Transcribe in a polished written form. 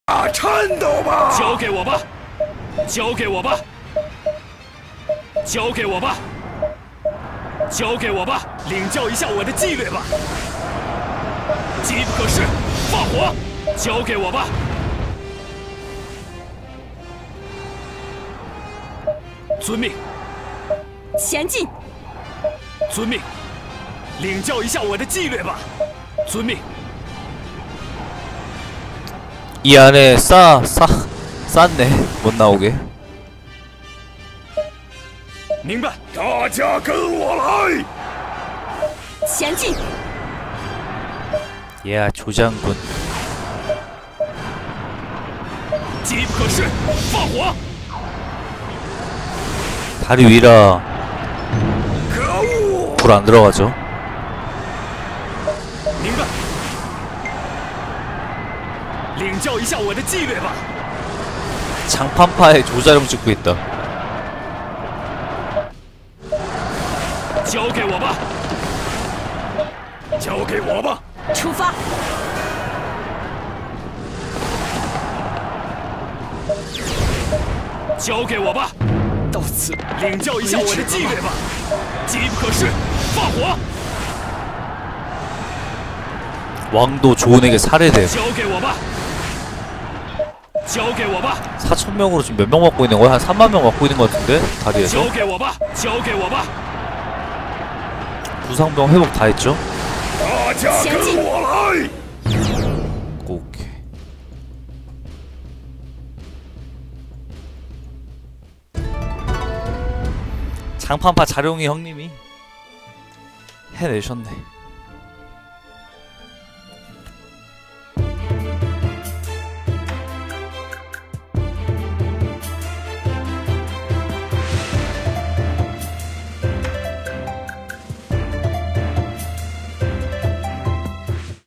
颤抖吧！ 交给我吧，交给我吧，交给我吧，交给我吧，领教一下我的纪律吧。机不可失，放火！交给我吧。遵命。 前进。 遵命。领教一下我的纪律吧。遵命。 이 안에 쌌네. 못 나오게. 明白。 大家跟我来。 前进。 야, 조장군. 机不可失，放火！ 다리 위라 可恶！ 불 안 들어가죠. 明白。领教一下我的纪律吧。 장판파에 조자룡 찍고 있다. 交给我吧。 交给我吧。 出发！ 交给我吧！ 到此领教一下我的纪律吧！机不可失，放火！ 왕도 조은에게 살해됨. 交给我吧！交给我吧！ 4,000명으로 지금 몇 명 맞고 있는 거야? 한 3만 명 맞고 있는 거 같은데? 다리에서? 交给我吧！交给我吧！ 부상병 회복 다 했죠? 大家跟我来。 오케이. 장판파 자룡이 형님이 해내셨네.